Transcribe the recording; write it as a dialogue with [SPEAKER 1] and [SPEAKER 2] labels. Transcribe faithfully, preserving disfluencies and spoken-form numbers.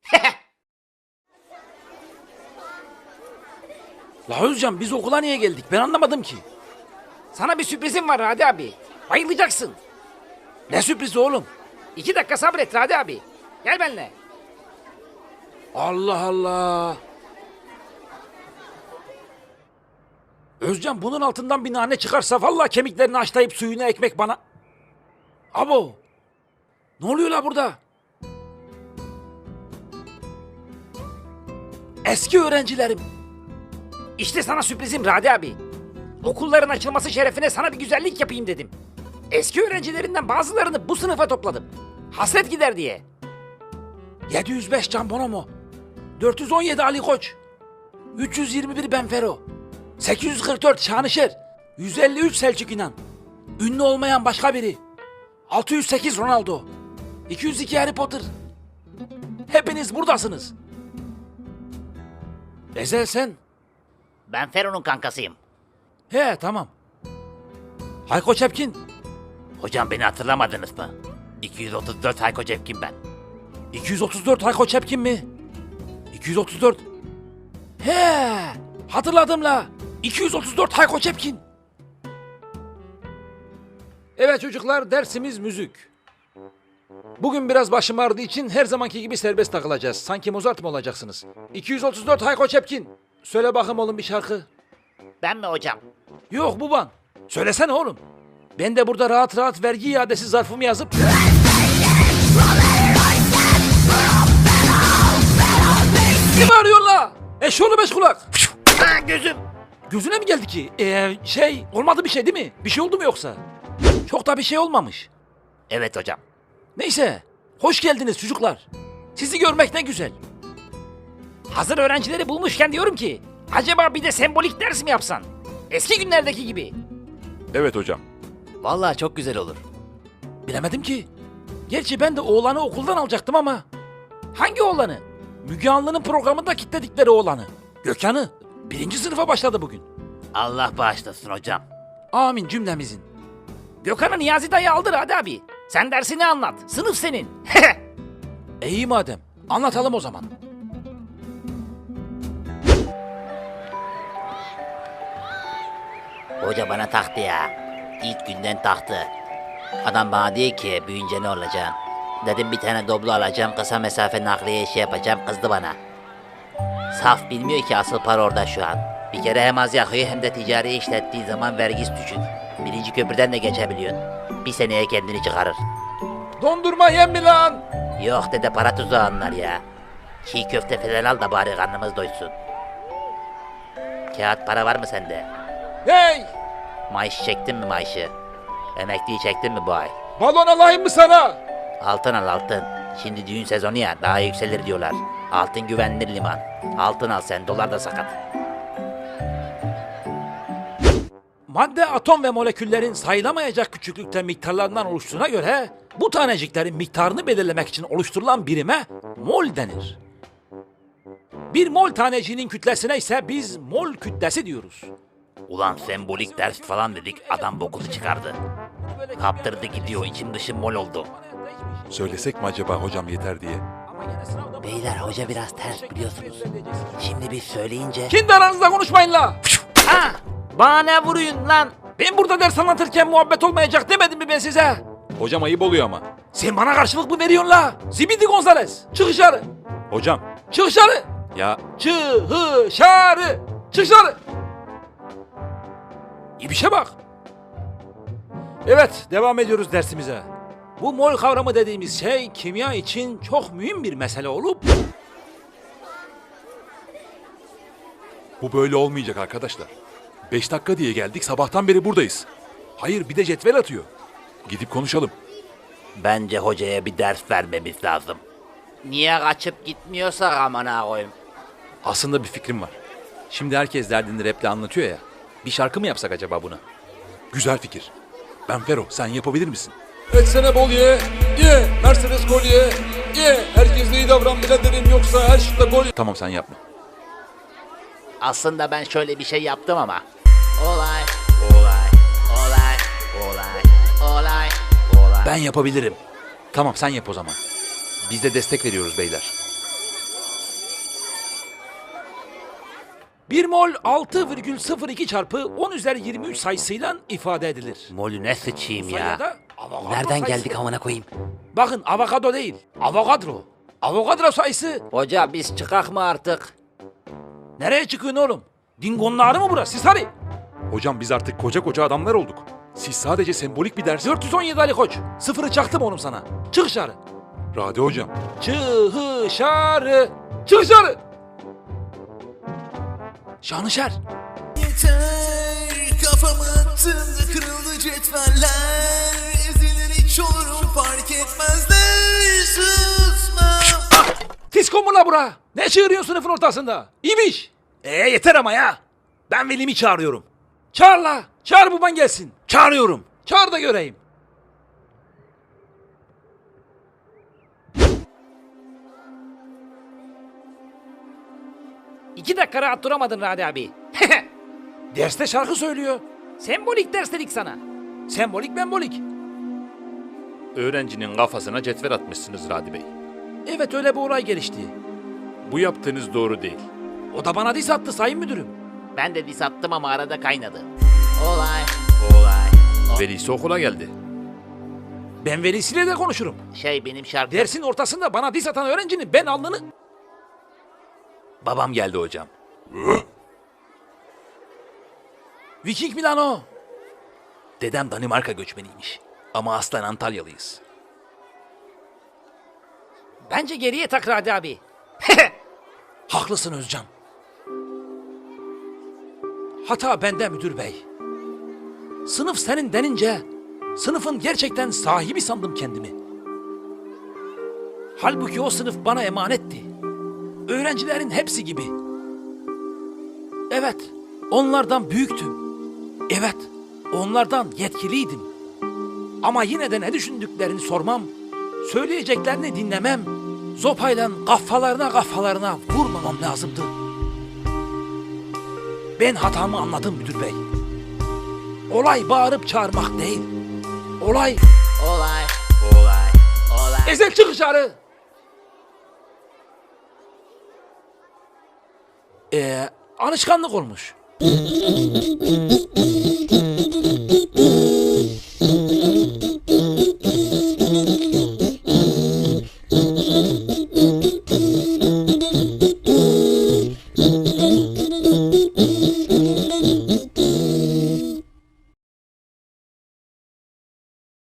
[SPEAKER 1] La Özcan biz okula niye geldik ben anlamadım ki.
[SPEAKER 2] Sana bir sürprizim var Radi abi. Bayılacaksın.
[SPEAKER 1] Ne sürprizi oğlum?
[SPEAKER 2] İki dakika sabret Radi abi. Gel benimle.
[SPEAKER 1] Allah Allah. Özcan bunun altından bir nane çıkarsa vallahi kemiklerini haşlayıp suyunu ekmek bana. Abo. Ne oluyor la burada? Eski öğrencilerim.
[SPEAKER 2] İşte sana sürprizim Radi abi. Okulların açılması şerefine sana bir güzellik yapayım dedim. Eski öğrencilerinden bazılarını bu sınıfa topladım. Hasret gider diye.
[SPEAKER 1] yedi yüz beş Can Bonomo. dört yüz on yedi Ali Koç. üç yüz yirmi bir Benfero. sekiz yüz kırk dört Şanışer. yüz elli üç Selçuk İnan. Ünlü olmayan başka biri. altı yüz sekiz Ronaldo. iki yüz iki Harry Potter. Hepiniz buradasınız. Ezel sen?
[SPEAKER 2] Ben Fero'nun kankasıyım.
[SPEAKER 1] He tamam. Hayko Çepkin.
[SPEAKER 2] Hocam beni hatırlamadınız mı? iki yüz otuz dört Hayko Cepkin ben.
[SPEAKER 1] iki yüz otuz dört Hayko Çepkin mi? iki yüz otuz dört. He hatırladım la. iki yüz otuz dört Hayko Çepkin. Evet çocuklar dersimiz müzik. Bugün biraz başım ağrıdığı için her zamanki gibi serbest takılacağız. Sanki Mozart mı olacaksınız? iki yüz otuz dört Hayko Çepkin. Söyle bakayım oğlum bir şarkı.
[SPEAKER 2] Ben mi hocam?
[SPEAKER 1] Yok baban. Söylesene oğlum. Ben de burada rahat rahat vergi iadesi zarfımı yazıp... Kim arıyor la? Eşoğlu beş kulak.
[SPEAKER 2] Ha gözüm.
[SPEAKER 1] Gözüne mi geldi ki? Ee, şey olmadı bir şey değil mi? Bir şey oldu mu yoksa? Çok da bir şey olmamış.
[SPEAKER 2] Evet hocam.
[SPEAKER 1] Neyse. Hoş geldiniz çocuklar. Sizi görmek ne güzel.
[SPEAKER 2] Hazır öğrencileri bulmuşken diyorum ki acaba bir de sembolik ders mi yapsan? Eski günlerdeki gibi.
[SPEAKER 3] Evet hocam.
[SPEAKER 2] Vallahi çok güzel olur.
[SPEAKER 1] Bilemedim ki. Gerçi ben de oğlanı okuldan alacaktım ama. Hangi oğlanı? Müge Anlı'nın programında kilitledikleri oğlanı. Gökhan'ı. Birinci sınıfa başladı bugün.
[SPEAKER 2] Allah bağışlasın hocam.
[SPEAKER 1] Amin cümlemizin.
[SPEAKER 2] Gökhan'ı Niyazi dayı aldı Radi abi. Sen dersini anlat. Sınıf senin.
[SPEAKER 1] E iyi madem. Anlatalım o zaman.
[SPEAKER 4] Hoca bana taktı ya. İlk günden taktı. Adam bana diyor ki büyüyünce ne olacaksın? Dedim bir tane doblo alacağım, kısa mesafe nakliye işi yapacağım, kızdı bana. Saf bilmiyor ki asıl para orada şu an. Bir kere hem az yakıyor hem de ticari işlettiği zaman vergisi düşük. Birinci köprüden de geçebiliyorsun. Bir seneye kendini çıkarır.
[SPEAKER 1] Dondurma yem mi lan?
[SPEAKER 4] Yok dede para tuzağı anlar ya. Çiğ köfte falan al da bari karnımız doysun. Kağıt para var mı sende?
[SPEAKER 1] Hey!
[SPEAKER 4] Maaş çektin mi maaşı? Emekliyi çektin mi bu ay?
[SPEAKER 1] Balon alayım mı sana?
[SPEAKER 4] Altın al altın. Şimdi düğün sezonu ya daha yükselir diyorlar. Altın güvenilir liman. Altın al sen dolar da sakat.
[SPEAKER 1] Madde, atom ve moleküllerin sayılamayacak küçüklükte miktarlarından oluştuğuna göre bu taneciklerin miktarını belirlemek için oluşturulan birime mol denir. Bir mol taneciğinin kütlesine ise biz mol kütlesi diyoruz.
[SPEAKER 4] Ulan sembolik ders falan dedik adam bokuzu çıkardı. Kaptırdı gidiyor içim dışım mol oldu.
[SPEAKER 3] Söylesek mi acaba hocam yeter diye?
[SPEAKER 4] Beyler hoca biraz ters biliyorsunuz. Şimdi biz söyleyince...
[SPEAKER 1] Kendi aranızda konuşmayın la!
[SPEAKER 2] Ha! Bana ne vuruyorsun lan?
[SPEAKER 1] Ben burada ders anlatırken muhabbet olmayacak demedim mi ben size?
[SPEAKER 3] Hocam ayıp oluyor ama.
[SPEAKER 1] Sen bana karşılık mı veriyorsun la? Zibidi Gonzales! Çık dışarı!
[SPEAKER 3] Hocam
[SPEAKER 1] Çık dışarı!
[SPEAKER 3] ya
[SPEAKER 1] Çık dışarı! Çık dışarı! İyi bir şey bak. Evet, devam ediyoruz dersimize. Bu mol kavramı dediğimiz şey kimya için çok mühim bir mesele olup...
[SPEAKER 3] bu böyle olmayacak arkadaşlar. Beş dakika diye geldik sabahtan beri buradayız. Hayır bir de cetvel atıyor. Gidip konuşalım.
[SPEAKER 4] Bence hocaya bir ders vermemiz lazım.
[SPEAKER 2] Niye kaçıp gitmiyorsak amına koyayım.
[SPEAKER 1] Aslında bir fikrim var. Şimdi herkes derdini raple anlatıyor ya. Bir şarkı mı yapsak acaba buna?
[SPEAKER 3] Güzel fikir. Ben Fero sen yapabilir misin?
[SPEAKER 1] Etsene bol ye, ye, Mercedes gol ye, ye. Herkes iyi davran biraderim yoksa her şutta gol ye.
[SPEAKER 3] Tamam sen yapma.
[SPEAKER 4] Aslında ben şöyle bir şey yaptım ama. Olay, olay, olay, olay, olay, olay.
[SPEAKER 1] Ben yapabilirim. Tamam sen yap o zaman. Biz de destek veriyoruz beyler. Bir mol altı virgül sıfır iki çarpı on üzeri yirmi üç sayısıyla ifade edilir.
[SPEAKER 2] Molü ne sıçayım
[SPEAKER 1] Sayıda
[SPEAKER 2] ya.
[SPEAKER 1] avokado
[SPEAKER 2] Nereden
[SPEAKER 1] sayısı.
[SPEAKER 2] geldik amına koyayım?
[SPEAKER 1] Bakın avokado değil, avokadro. Avokadro sayısı
[SPEAKER 2] Hoca biz çıkak mı artık?
[SPEAKER 1] nereye çıkıyorsun oğlum? Dingonun ağrı mı burası? Siz hadi.
[SPEAKER 3] Hocam biz artık koca koca adamlar olduk. Siz sadece sembolik bir ders...
[SPEAKER 1] dört yüz on yedi Ali Koç. Sıfırı çaktım oğlum sana. Çık dışarı.
[SPEAKER 3] Radi hocam.
[SPEAKER 1] Çık dışarı. Çık dışarı. Şanışer.
[SPEAKER 5] Yeter kafamı attığımda kırıldı cetveller. Ezilir hiç olurum fark etmezler. Susmam.
[SPEAKER 1] Fisko mu la bura? Ne çığırıyorsun sınıfın ortasında? İbiş. Ee yeter ama ya. Ben velimi çağırıyorum. Çağır la. Çağır baban gelsin. Çağırıyorum. Çağır da göreyim.
[SPEAKER 2] İki dakika rahat duramadın Radi abi.
[SPEAKER 1] Derste şarkı söylüyor.
[SPEAKER 2] Sembolik ders dedik sana.
[SPEAKER 1] Sembolik membolik.
[SPEAKER 3] Öğrencinin kafasına cetvel atmışsınız Radi Bey.
[SPEAKER 1] Evet öyle bir olay gelişti.
[SPEAKER 3] Bu yaptığınız doğru değil.
[SPEAKER 1] O da bana diss attı sayın müdürüm.
[SPEAKER 4] Ben de dis attım ama arada kaynadı. Olay.
[SPEAKER 3] Olay. Velisi okula geldi.
[SPEAKER 1] Ben velisiyle de konuşurum.
[SPEAKER 4] Şey benim şarkı.
[SPEAKER 1] Dersin ortasında bana diss atan öğrencinin ben alnını...
[SPEAKER 3] Babam geldi hocam.
[SPEAKER 1] Viking mi lan o?
[SPEAKER 3] Dedem Danimarka göçmeniymiş. Ama aslen Antalyalıyız.
[SPEAKER 2] Bence geriye tak Radi abi.
[SPEAKER 1] Haklısın Özcan. Hata bende müdür bey. Sınıf senin denince sınıfın gerçekten sahibi sandım kendimi. Halbuki o sınıf bana emanetti. Öğrencilerin hepsi gibi. Evet, onlardan büyüktüm. Evet, onlardan yetkiliydim. Ama yine de ne düşündüklerini sormam, söyleyeceklerini dinlemem, zopayla kafalarına kafalarına vurmamam lazımdı. Ben hatamı anladım müdür bey. Olay bağırıp çağırmak değil. Olay
[SPEAKER 4] Olay. Olay. Olay.
[SPEAKER 1] ezel çık dışarı. Ee, alışkanlık olmuş.